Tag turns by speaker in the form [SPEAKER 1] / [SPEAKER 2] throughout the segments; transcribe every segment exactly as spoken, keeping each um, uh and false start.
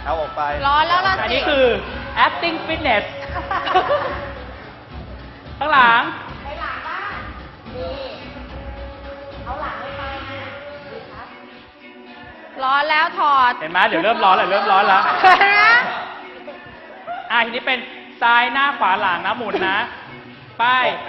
[SPEAKER 1] เอาออกไป
[SPEAKER 2] ร้อนแล้วล่ะสิ
[SPEAKER 3] อันนี้คือ acting fitness ข้างหลัง
[SPEAKER 2] ไปหลังบ้านดีเอาหลังไปไปนะดีครับร้อนแล้วถอด
[SPEAKER 3] เห็นไหมเดี๋ยวเริ่มร้อนแล้วเริ่มร้อนแล้วอ่ะทีนี้เป็นซ้ายหน้าขวาหลังนะหมุนนะไป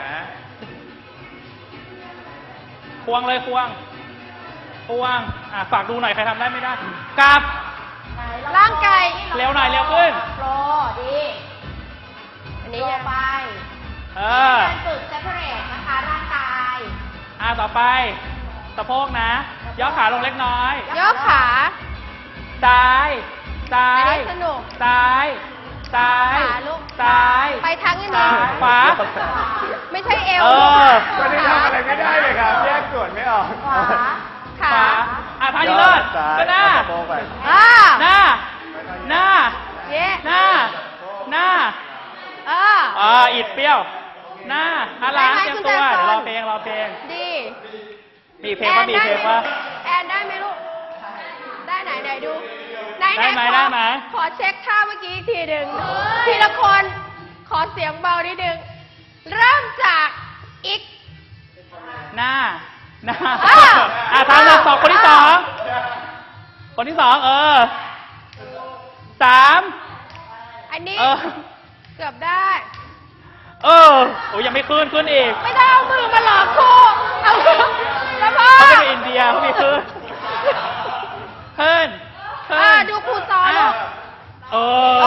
[SPEAKER 3] ควงเลยควงควงอ่ะฝากดูหน่อยใครทำได้ไม่ได้กลับ
[SPEAKER 2] ร่างกาย
[SPEAKER 3] เร็วหน่อยเร็วขึ้น
[SPEAKER 2] โปรดี อันนี้จะไป
[SPEAKER 3] เออ
[SPEAKER 2] การฝึกเซปเปอร์เรตนะคะร่างกาย
[SPEAKER 3] อ่ะต่อไปสะโพกนะย่อขาลงเล็กน้อย
[SPEAKER 2] ย่อขา
[SPEAKER 3] ซ้ายซ้า
[SPEAKER 2] อัน
[SPEAKER 3] ย
[SPEAKER 2] นี้สนุก
[SPEAKER 3] ซ้ายซ้าย
[SPEAKER 2] ขวาลูก
[SPEAKER 3] ซ้าย
[SPEAKER 2] ไปทั้งอัน
[SPEAKER 3] ซ้า
[SPEAKER 2] นี้
[SPEAKER 3] ยขวา
[SPEAKER 2] ไม่ใช่เอว
[SPEAKER 3] เออ
[SPEAKER 1] วันนี้ทำอะไรไม่ได้เลยครับแยกส่วนไม่ออก
[SPEAKER 2] ขวา
[SPEAKER 3] ข
[SPEAKER 2] ขา
[SPEAKER 3] วาอ่ะท่านี้เลิศ
[SPEAKER 1] ซ้าย
[SPEAKER 3] ก็หน้า
[SPEAKER 1] เอสะโพกไป
[SPEAKER 2] อ่า
[SPEAKER 3] หน้า หน้า
[SPEAKER 2] เย้
[SPEAKER 3] หน้า หน้า
[SPEAKER 2] เออ
[SPEAKER 3] อ่าอิดเปรี้ยว หน้าอาล้างเตรียมตัว เดี๋ยวรอเพลงรอเพลง
[SPEAKER 2] ดี
[SPEAKER 3] มีเพลงว่ามีเพลงว่า
[SPEAKER 2] แอนได้ไหมลูก ได้ไหนไหนดู ไหน
[SPEAKER 3] ได้ไหม
[SPEAKER 2] ขอ
[SPEAKER 3] ได้ไหม
[SPEAKER 2] ขอเช็คท่าเมื่อกี้อีกทีหนึ่งทีละคนขอเสียงเบานิดนึง เริ่มจากอีก
[SPEAKER 3] หน้า หน้า
[SPEAKER 2] อ้าว
[SPEAKER 3] อ่ะทางหนึ่งสองคนที่สอง คนที่สองเออ สาม
[SPEAKER 2] อันนี้
[SPEAKER 3] เออ
[SPEAKER 2] เกือบได้
[SPEAKER 3] เออโอ้ยยังไม่ขึ้นขึ้นอีก
[SPEAKER 2] ไม่ได้เอามือมาหลอกครูเอามือแล้วพ่อ
[SPEAKER 3] เขาเป็นอินเดียเขามีขึ้นขึ้นขึ้
[SPEAKER 2] อ่าน ดูครูสอนลูก
[SPEAKER 3] เออ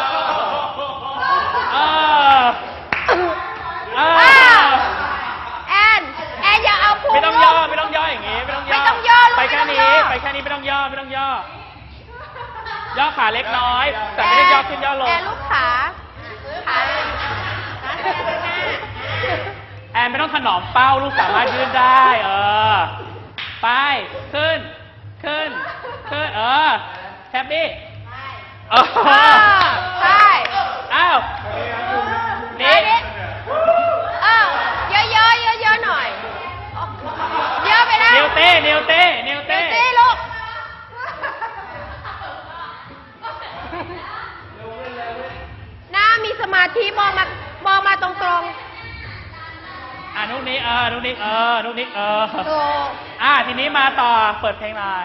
[SPEAKER 3] เออ เอ
[SPEAKER 2] อ่า
[SPEAKER 3] อ
[SPEAKER 2] แอนแอนอย่าเอาครู
[SPEAKER 3] ไม่ต้องย่อไม่ต้องย่ออย่างงี้ไม่ต้องย่อ
[SPEAKER 2] ไม่ต้องย่อลูก
[SPEAKER 3] ไปแค่
[SPEAKER 2] ไม่
[SPEAKER 3] นี้
[SPEAKER 2] ต้องย่อ
[SPEAKER 3] ไปแค่นี้ไม่ต้องย่อไม่ต้องย่อ ย่อขาเล็กน้อย แต่ไม่ได้ย่อขึ้นย่อลง
[SPEAKER 2] แอนลูกขาขา
[SPEAKER 3] แอนไม่ต้องถนอมเป้าลูกสามารถยืดได้ เออ ไปขึ้น ขึ้น ขึ้น เออแฮปปี้เออ
[SPEAKER 2] อ่าใช่
[SPEAKER 3] อ้าวนี่
[SPEAKER 2] เออเยอะเยอะเยอะเยอะๆหน่อย เยอะไปแล้ว
[SPEAKER 3] นิวเต้นิวเต้นิว
[SPEAKER 2] เต้
[SPEAKER 3] เต้
[SPEAKER 2] ลูกหน้ามีสมาธิมองมามองมาตรงตรง
[SPEAKER 3] อ่ะนุกนี้เออนุกนี้เออนุกนี้เออ
[SPEAKER 2] ๆถูก
[SPEAKER 3] อ่ะทีนี้มาต่อเปิดเพลงหน่อย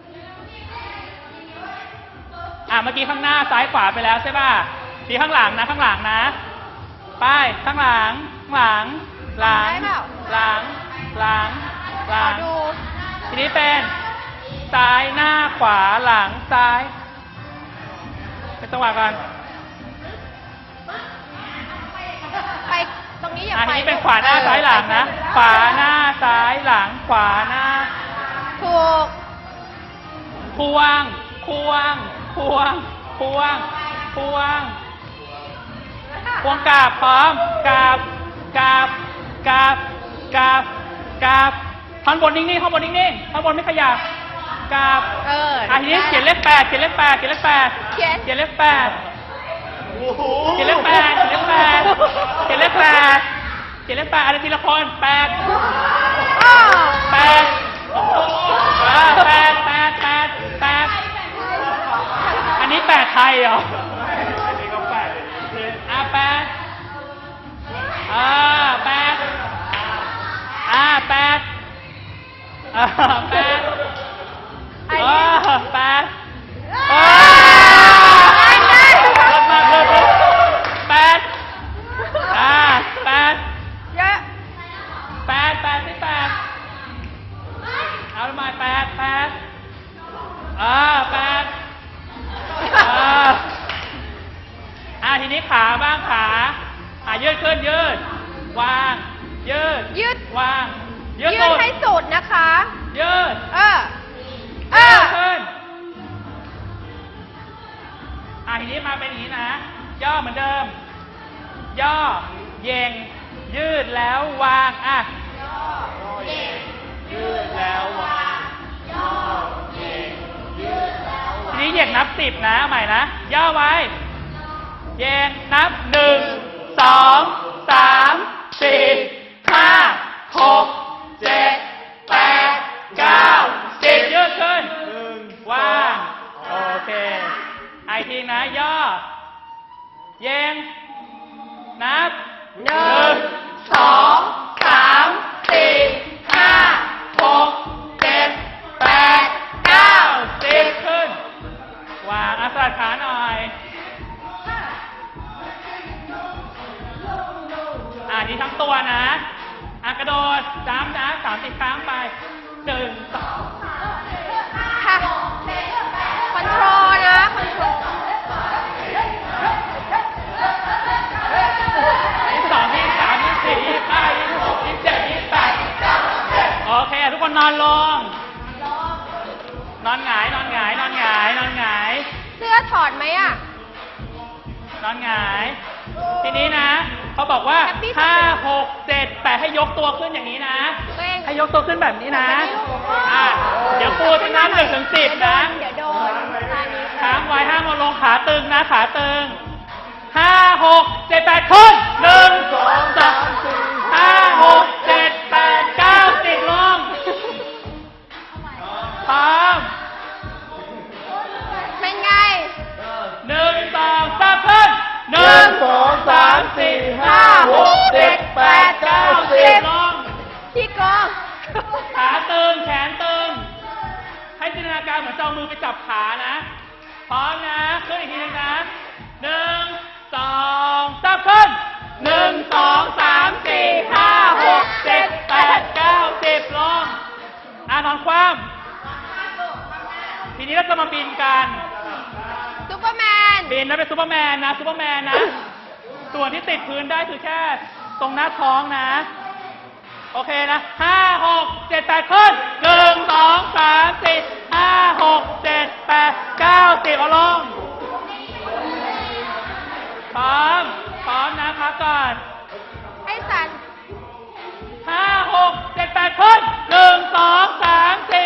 [SPEAKER 3] อ่ะเมื่อกี้ข้างหน้าซ้ายขวาไปแล้วใช่ป่ะทีข้างหลังนะข้างหลังนะไปข้างหลังข้างหลังหลัง
[SPEAKER 2] ได้เปล่า
[SPEAKER 3] หลังหลังห
[SPEAKER 2] ข
[SPEAKER 3] ลั
[SPEAKER 2] อง ดู
[SPEAKER 3] ทีนี้เป็นซ้ายหน้าขวาหลังซ้ายเป็นจังหวะกัน
[SPEAKER 2] ไปตรงนี้อย่า
[SPEAKER 3] อ่ะ
[SPEAKER 2] ไป
[SPEAKER 3] ทีนี้เป็นขวาหน้าซ้ายหลังนะขวาหน้าซ้ายหลังขวาหน้า
[SPEAKER 2] ถูก
[SPEAKER 3] ควงควงควงควงควงควงกราบพร้อมกราบกราบกราบกราบกราบท่อนบนนิ่งๆท่อนบนนิ่งๆท่อนบนไม่ขยับกราบ
[SPEAKER 2] เออ
[SPEAKER 3] อ่ะทีนี้เขียนเลขแปดเขียนเลขแปดเขียนเลขแปด
[SPEAKER 2] เขียน
[SPEAKER 3] เขียนเลขแปดเขียนเลขแปดเขียนเลขแปดเขียนเลขแปดเขียนเลขแปดอะไรทีละคนแปด
[SPEAKER 2] อ้าว
[SPEAKER 3] แปดอ่าแปดแปดแปดแปดอันนี้แปดไทยเหรออันนี้ก็แปดอ่าแปดอ่าแปดอ่าแปดอ่าแปดอ่าแปดอ่าลดมากเลยแปดอ่าแปด
[SPEAKER 2] เยอะ
[SPEAKER 3] แปดแปดสิบแปดเอาละมาแปดแปดอ่าแปดอ่าอ่าทีนี้ขาบ้างขาอ่ายืดขึ้นยืดวางยืด
[SPEAKER 2] ยืด
[SPEAKER 3] วางยื
[SPEAKER 2] ยื
[SPEAKER 3] ด
[SPEAKER 2] ด
[SPEAKER 3] สุด
[SPEAKER 2] ให้สุดนะคะ
[SPEAKER 3] ยืด
[SPEAKER 2] เออ เอ
[SPEAKER 3] ยื
[SPEAKER 2] อ
[SPEAKER 3] ดขึ้นอ่าทีนี้มาเป็นอย่างนี้นะ ย่อเหมือนเดิม ย่อเย่งยืดแล้ววางอ่ะยืดแล้ววางทีนี้เหยียงนับสิบนะใหม่นะ ย่อไว้เหยียงนับหนึ่งสองสามสี่ห้าหกเจ็ดแปดเก้าสิบยืดขึ้นวางโอเคไอ้อีกทีนะย่อเยงนับ
[SPEAKER 2] หนึ่งสองสามสี่ห้าหกเจ็ดแปดเก้า
[SPEAKER 3] สิบขึ้นวางอาสาขาหน่อยอ่านี้ทั้งตัวนะอ่ะกระโดดจ้ำนะสามสิบครั้งไปหนึ่งสอง
[SPEAKER 2] ค่ะคอนโทรลนะคอนโทรล
[SPEAKER 3] ยี่สิบสองยี่สิบสามยี่สิบสี่ยี่สิบห้ายี่สิบหกยี่สิบเจ็ดยี่สิบแปดโอเคทุกคนนอนลงนอนหงายนอนหงายนอนหงายนอนหงาย
[SPEAKER 2] เสื้อถอดไหมอ่ะ
[SPEAKER 3] นอนหงาย ทีนี้นะเขาบอกว่าห้าหกเจ็ดแปดให้ยกตัวขึ้นอย่างนี้นะ
[SPEAKER 2] ตัวเอง
[SPEAKER 3] ให้ยกตัวขึ้นแบบนี้นะอ่ะเดี๋ยวครูจะนับหนึ่งถึงสิบนะ
[SPEAKER 2] เดี๋ยวโดนตานี้
[SPEAKER 3] ค้างไว้ห้ามเอาลงขาตึงนะขาตึงห้าหกเจ็ดแปดขึ้นหนึ่งสองสามสี่ห้าหกเจ็ดแปดเก้าสิบลงพร้อม
[SPEAKER 2] เป็นไง
[SPEAKER 3] หนึ่งสองสามขึ้นหนึ่งสองสามสี่ห้าหกเจ็ดแปดเก้าสิบลง
[SPEAKER 2] พี่โกง
[SPEAKER 3] ขาตึงแขนตึงให้จินตนาการเหมือนจะเอามือไปจับขานะพร้อมนะขึ้นอีกทีนึงนะหนึ่งสองสามขึ้นหนึ่งสองสามสี่ห้าหกเจ็ดแปดเก้าสิบลงอ่ะนอนคว่ำทีนี้เราจะมาบินกัน
[SPEAKER 2] ซุปเปอร์แมน
[SPEAKER 3] บินแล้วเป็นซูเปอร์แมนนะซูเปอร์แมนนะ ส่วนที่ติดพื้นได้คือแค่ตรงหน้าท้องนะ โอเคนะห้าหกเจ็ดแปดขึ้นหนึ่งสองสามสี่ห้าหกเจ็ดแปดเก้าสิบเอาลงพร้อมพร้อมนะพักก่อน
[SPEAKER 2] ให้สัน
[SPEAKER 3] ห้าหกเจ็ดแปดขึ้นหนึ่งสองสามสี่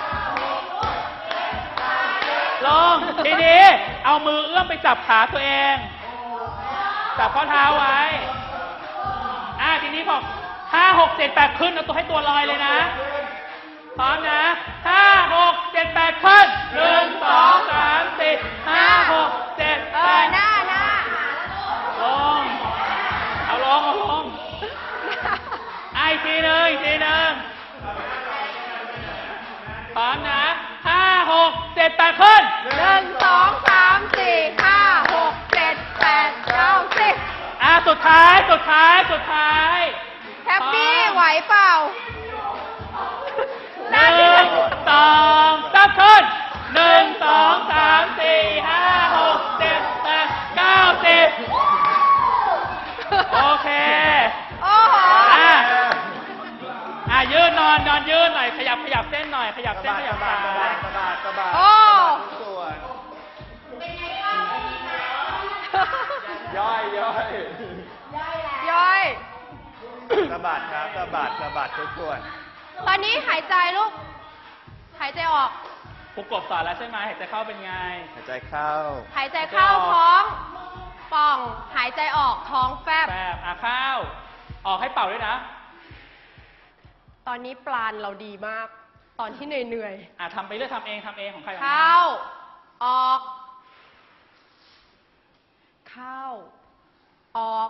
[SPEAKER 3] ลงทีนี้เอามือเอื้อมไปจับขาตัวเองจับข้อเท้าไว้อ่าทีนี้บอกห้าหกเจ็ดแปดขึ้นเอาตัวให้ตัวลอยเลยนะพร้อมนะห้าหกเจ็ดแปดขึ้นหนึ่งสองสามสี่ห้าหกเจ็ด
[SPEAKER 2] เอ
[SPEAKER 3] แป
[SPEAKER 2] อ
[SPEAKER 3] ด
[SPEAKER 2] หน้าหน้า
[SPEAKER 3] ลงเอาลงเอาลงไอ้ทีหนึ่งอีกทีหนึ่งพร้อมนะห้าหกเจ็ดแปดขึ้น
[SPEAKER 2] หนึ่งสองสามสี่ห้าหกเจ็ดแปดเก้าสิบ
[SPEAKER 3] อ่ะสุดท้ายสุดท้ายสุดท้าย
[SPEAKER 2] แฮปปี้ไหวเปล่า
[SPEAKER 3] หนึ่งสองสามขึ้นหนึ่งสองสามสี่ห้าหกเจ็ดแปดเก้าสิบโอเค
[SPEAKER 2] โอ้โห
[SPEAKER 3] อ่ะอ่ะยืนนอนนอนยืนหน่อยขยับขยับเส้นหน่อยขยับเส้นขยับขา
[SPEAKER 1] สะบัดสะบัดสะบัด
[SPEAKER 2] โอ้
[SPEAKER 1] ส่วนย่อยย่อย
[SPEAKER 2] ย่อย
[SPEAKER 1] สะบัดครับสะบัดสะบัดทุกส่วน
[SPEAKER 2] ตอนนี้หายใจลูก หายใจออก
[SPEAKER 3] ครูกบสอนแล้วใช่ไหมหายใจเข้าเป็นไง
[SPEAKER 1] หายใจเข้า
[SPEAKER 2] หายใจเข้าท้องป่อง หายใจออกท้องแฟบ
[SPEAKER 3] แปบอ่ะเข้าออกให้เป่าด้วยนะ
[SPEAKER 2] ตอนนี้ปลานเราดีมาก ตอนที่เหนื่อย
[SPEAKER 3] อ่ะทำไปเรื่อยทำเองทำเองของใคร
[SPEAKER 2] ๆ
[SPEAKER 3] ของมัน
[SPEAKER 2] เข้า ออก เข้า ออก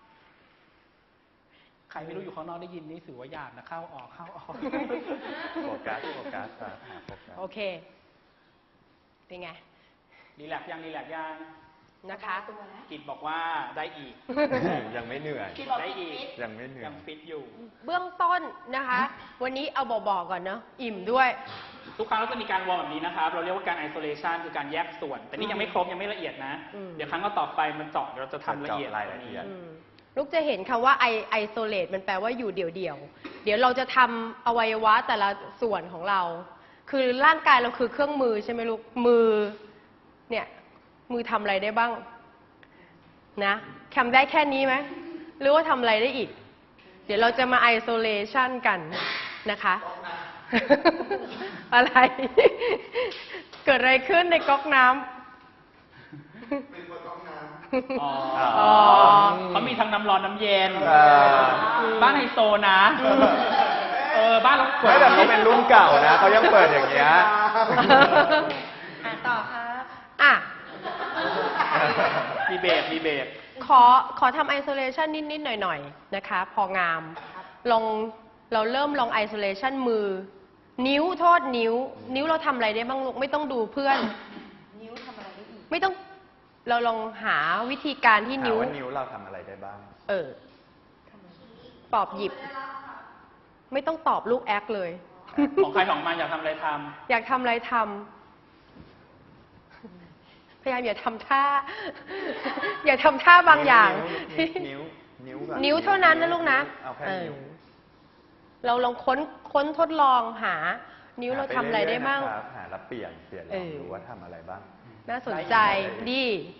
[SPEAKER 3] ใครไม่รู้อยู่ข้างนอกได้ยินนี่ถือว่าหยาบนะเข้าออกเข้าออก
[SPEAKER 1] โฟกัสโฟกัสครับหาโฟกัส
[SPEAKER 2] โอเค เป็นไง
[SPEAKER 3] รีแลกซ์ยังรีแลกซ์ยัง
[SPEAKER 2] นะคะ
[SPEAKER 3] กิจบอกว่าได้อีก
[SPEAKER 1] ยังไม่เหนื่อย
[SPEAKER 3] ได้อีก
[SPEAKER 1] ยังไม่เหนื่อย
[SPEAKER 3] ยังฟิตอยู่
[SPEAKER 2] เบื้องต้นนะคะ วันนี้เอาบอกๆก่อนเนาะ อิ่มด้วย
[SPEAKER 3] ทุกครั้งเราจะมีการวอร์มแบบนี้นะครับ เราเรียกว่าการ isolation คือการแยกส่วน แต่นี่ยังไม่ครบยังไม่ละเอียดนะ
[SPEAKER 2] อืม
[SPEAKER 3] เดี๋ยวครั้งต่อไปมันเจาะเดี๋ยวเราจะทำละเอียด
[SPEAKER 1] เจาะรายละเอียด
[SPEAKER 2] อืมลูกจะเห็นคำว่าไอไอโซเลตมันแปลว่าอยู่เดี่ยวๆ เดี๋ยวเราจะทำอวัยวะแต่ละส่วนของเรา คือร่างกายเราคือเครื่องมือใช่ไหมลูก มือ เนี่ย มือทำอะไรได้บ้าง นะทำได้แค่นี้ไหม หรือว่าทำอะไรได้อีก เดี๋ยวเราจะมาไอโซเลชันกันนะคะ อะไร เกิดอะไรขึ้นในก๊อกน้ำ
[SPEAKER 3] อ๋อ
[SPEAKER 1] อ๋อ
[SPEAKER 3] เขามีทั้งน้ำร้อนน้ำเย็น
[SPEAKER 1] เออ
[SPEAKER 3] บ้านไฮโซนะ เออ บ้านเรา
[SPEAKER 1] ไม่แต่เขาเป็นรุ่นเก่านะเขายังเปิดอย่างเงี้ย
[SPEAKER 2] อ่ะต่อครับ อ่ะ
[SPEAKER 3] เบรกมีเบรก
[SPEAKER 2] ขอขอทำ isolation นิด ๆ หน่อย ๆ นะคะ พองาม ลองเราเริ่มลอง isolation มือ นิ้วโทษนิ้ว นิ้วเราทำอะไรได้บ้างลูก ไม่ต้องดูเพื่อน
[SPEAKER 4] นิ้วทำอะไรได้อีก
[SPEAKER 2] ไม่ต้อง เราลองหาวิธีการที่
[SPEAKER 1] ถาม
[SPEAKER 2] นิ้ว
[SPEAKER 1] ว่านิ้วเราทำอะไรได้บ้าง
[SPEAKER 2] เออ ปอบหยิบ ไม่ต้องตอบลูกแอคเลย
[SPEAKER 3] ของใครของมันอยากทำอะไรท
[SPEAKER 2] อยากทำอะไรทำ พยายามอย่าทำท่า อย่าทำท่าบางอย่าง
[SPEAKER 1] นิ้ว นิ้ว นิ้วก่อน
[SPEAKER 2] นิ้วเท่านั้นนะลูกนะ
[SPEAKER 1] เอาแค่
[SPEAKER 2] เออ
[SPEAKER 1] นิ้ว
[SPEAKER 2] เราลองค้นค้นทดลองหา นิ้วเรา
[SPEAKER 1] หป
[SPEAKER 2] ทำอะไรได้บ้าง
[SPEAKER 1] เอยๆนะครับหาแล้วเปลี่ยน เปลี่ยนล
[SPEAKER 2] เอ
[SPEAKER 1] อง
[SPEAKER 2] อ
[SPEAKER 1] ดูว่าทำอะไรบ้าง
[SPEAKER 2] น่าสนใจดี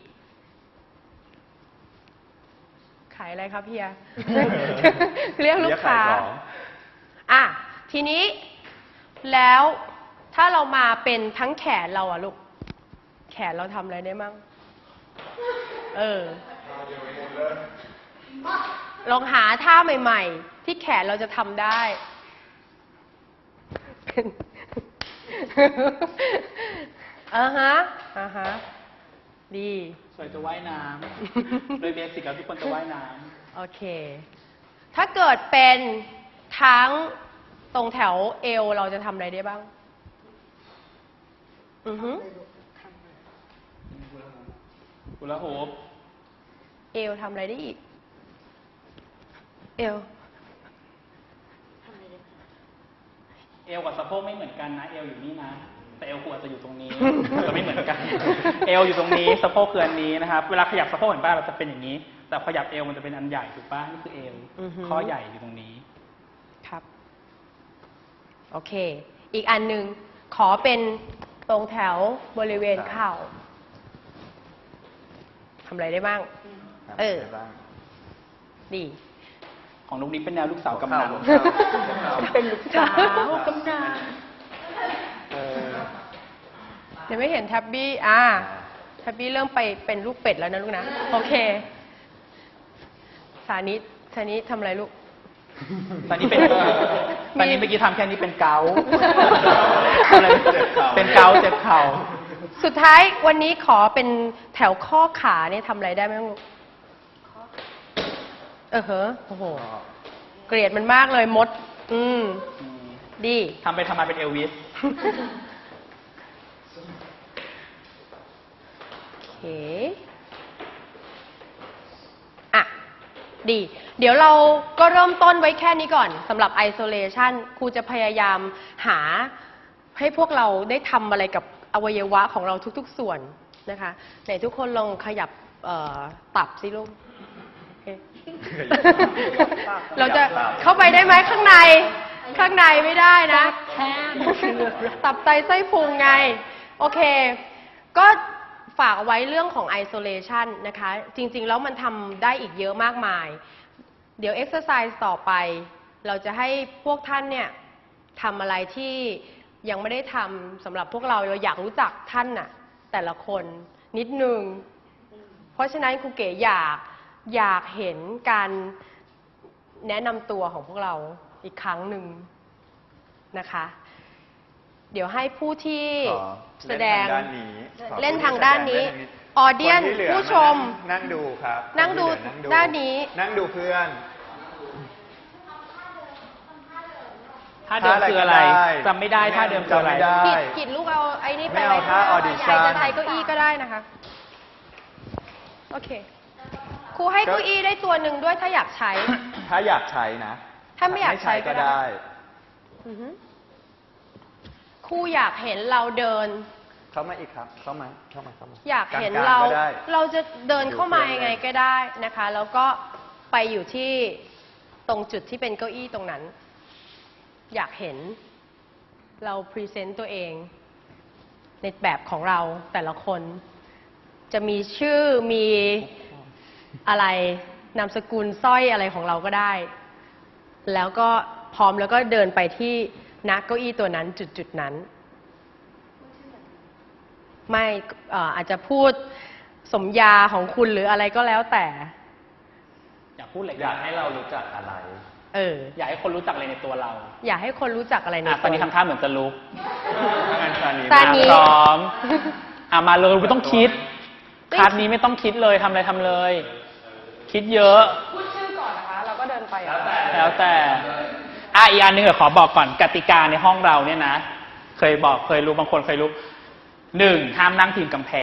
[SPEAKER 2] ขายอะไรครับเฮีย เรียกลูกค้า
[SPEAKER 1] เรียกขายของ
[SPEAKER 2] อ่ะ ทีนี้แล้วถ้าเรามาเป็นทั้งแขนเราอะลูก แขนเราทำอะไรได้มั่ง เออ ลองหาท่าใหม่ ๆ ที่แขนเราจะทำได้เป็น อ่าฮะอ่าฮะ ดี
[SPEAKER 3] ำสวยจะว่ายน้ำ โดยเบสิกแล้วทุกคนจะว่ายน้
[SPEAKER 2] โอเค ถ้าเกิดเป็นทั้งตรงแถวเอวเราจะทำอะไรได้บ้าง อือฮึ
[SPEAKER 3] ำกุลาโฮป
[SPEAKER 2] เอวทำอะไรได้อีก เอว
[SPEAKER 3] เอวกับสะโพกไม่เหมือนกันนะ เอวอยู่นี่นะ แต่เอวควรจะอยู่ตรงนี้ จะไม่เหมือนกัน เอวอยู่ตรงนี้ สะโพกคืออันนี้นะครับ เวลาขยับสะโพกเห็นป่ะเราจะเป็นอย่างนี้ แต่ขยับเอวมันจะเป็นอันใหญ่ถูกป่ะ นี่คือเอว
[SPEAKER 2] อือฮึ
[SPEAKER 3] ข้อใหญ่อยู่ตรงนี้
[SPEAKER 2] ครับ โอเค อีกอันหนึ่งขอเป็นตรงแถวบริเวณเข่าทำอะไรได้บ้าง
[SPEAKER 1] ทำ
[SPEAKER 2] เอ
[SPEAKER 1] อะไร
[SPEAKER 2] อ
[SPEAKER 1] ได้บ้าง
[SPEAKER 2] ดี
[SPEAKER 3] ของลูกนี้เป็นแนวลูกสาวกำนัน
[SPEAKER 1] หัวเข่าหัวเข่า
[SPEAKER 2] เป็นลูกสาวกำนัน
[SPEAKER 1] เออ
[SPEAKER 2] เดี๋ยวไม่เห็นแท็บบี้ อ่า แท็บบี้เริ่มไปเป็นลูกเป็ดแล้วนะลูกนะ โอเค สานิทสานิททำอะไรลูก
[SPEAKER 3] ตอนนี้เป็นตอนนี้เมื่อกี้ทำแค่นี้เป็นเกาต์อะไร
[SPEAKER 1] เจ็บเข่า
[SPEAKER 3] เป็นเกาต์เจ็บเข่า
[SPEAKER 2] สุดท้ายวันนี้ขอเป็นแถวข้อขาเนี่ยทำอะไรได้ไหมลูก เออเหรอโอ้โห เกลียดมันมากเลยมด อืม ดี
[SPEAKER 3] ทำไปทำมาเป็นเอลวิส
[SPEAKER 2] โอเค อ่ะ ดี เดี๋ยวเราก็เริ่มต้นไว้แค่นี้ก่อนสำหรับ isolation ครูจะพยายามหาให้พวกเราได้ทำอะไรกับอวัยวะของเราทุกๆส่วนนะคะไหนทุกคนลองขยับเอ่อตับสิลูกโอเค เราจะเข้าไปได้ไหมข้างใน ข้างในไม่ได้นะตับไตไส้พุงไง โอเค ก็ฝากเอาไว้เรื่องของ isolation นะคะ จริง ๆ แล้วมันทำได้อีกเยอะมากมาย เดี๋ยว exercise ต่อไป เราจะให้พวกท่านเนี่ยทำอะไรที่ยังไม่ได้ทำสำหรับพวกเราเราอยากรู้จักท่านน่ะ แต่ละคนนิดนึง เพราะฉะนั้นครูเก๋อยากอยากเห็นการแนะนำตัวของพวกเราอีกครั้งหนึ่งนะคะ เดี๋ยวให้ผู้ที่
[SPEAKER 1] ขอ
[SPEAKER 2] แสดง
[SPEAKER 1] เล่นทางด้านนี้ขอ
[SPEAKER 2] เล่นทางด้านนี้
[SPEAKER 1] ผู้ที่แสดง
[SPEAKER 2] ออเดียน
[SPEAKER 1] คที่หลือ
[SPEAKER 2] ผู้ชม
[SPEAKER 1] านั่งนั่งดูครับ
[SPEAKER 2] นั่งดู
[SPEAKER 1] คที่เหลือ
[SPEAKER 2] ด้านนี้
[SPEAKER 1] นั่งดูเพื่อน
[SPEAKER 3] ท่าเดิมคืออะไร
[SPEAKER 1] ท่าอะไรก็ได้
[SPEAKER 3] จำไม่ได้ท่าเดิมคืออะไร
[SPEAKER 1] จำไม่ได้
[SPEAKER 2] กิดกิดลูกเอาไอ้นี่ไป
[SPEAKER 1] ไม่เอาท่า
[SPEAKER 2] ไว้
[SPEAKER 1] audition
[SPEAKER 2] ใหญ่จะใช้เก้าอี้ก็ได้นะคะ โอเค ครูให้เก้าอี้ได้ตัวหนึ่งด้วยถ้าอยากใช้
[SPEAKER 1] ถ้าอยากใช้นะ
[SPEAKER 2] ถ้าไม่อยากใช้ก็
[SPEAKER 1] ก็
[SPEAKER 2] ได้
[SPEAKER 1] ได้
[SPEAKER 2] อือฮึครูอยากเห็นเราเดิน
[SPEAKER 1] เข้ามาอีกครับ เข้ามา เข้ามา เข้ามา
[SPEAKER 2] อยากเห็น
[SPEAKER 1] กลงๆ
[SPEAKER 2] เรา
[SPEAKER 1] ก็ได้
[SPEAKER 2] เราจะเดินเข้ามายังไงก็ได้นะคะ แล้วก็ไปอยู่ที่ตรงจุดที่เป็นเก้าอี้ตรงนั้น อยากเห็นเราพรีเซนต์ตัวเอง ในแบบของเราแต่ละคน จะมีชื่อมีอะไรนามสกุลสร้อยอะไรของเราก็ได้ แล้วก็พร้อมแล้วก็เดินไปที่ณเก้าอี้ตัวนั้นจุดจุดๆนั้น ไม่เอ่ออาจจะพูดสมญาของคุณหรืออะไรก็แล้วแต่
[SPEAKER 3] อยากพูดอะไร
[SPEAKER 1] อยากให้เรารู้จักอะไร
[SPEAKER 2] เออ
[SPEAKER 3] อยากให้คนรู้จักอะไรในตัวเรา
[SPEAKER 2] อยากให้คนรู้จักอะไรใน
[SPEAKER 3] อ่ะตอนนี้ทำท่าเหมือนจะลุก
[SPEAKER 1] ถ้างั้นซานี
[SPEAKER 2] ซานี
[SPEAKER 3] พร้อม อ่ะมาเลยไม่ต้องคิดคลาสนี้ไม่ต้องคิดเลยทำอะไรทำเลย คิดเยอะ
[SPEAKER 2] พูดชื่อก่อนนะคะ เราก็เดินไป
[SPEAKER 3] แล้วแต่อ่ะอีกอันหนึงเดี๋ยวขอบอกก่อนกติกาในห้องเราเนี่ยนะ เคยบอกเคยรู้บางคนเคยรู้หนึ่งห้ามนั่งพิงกำแพง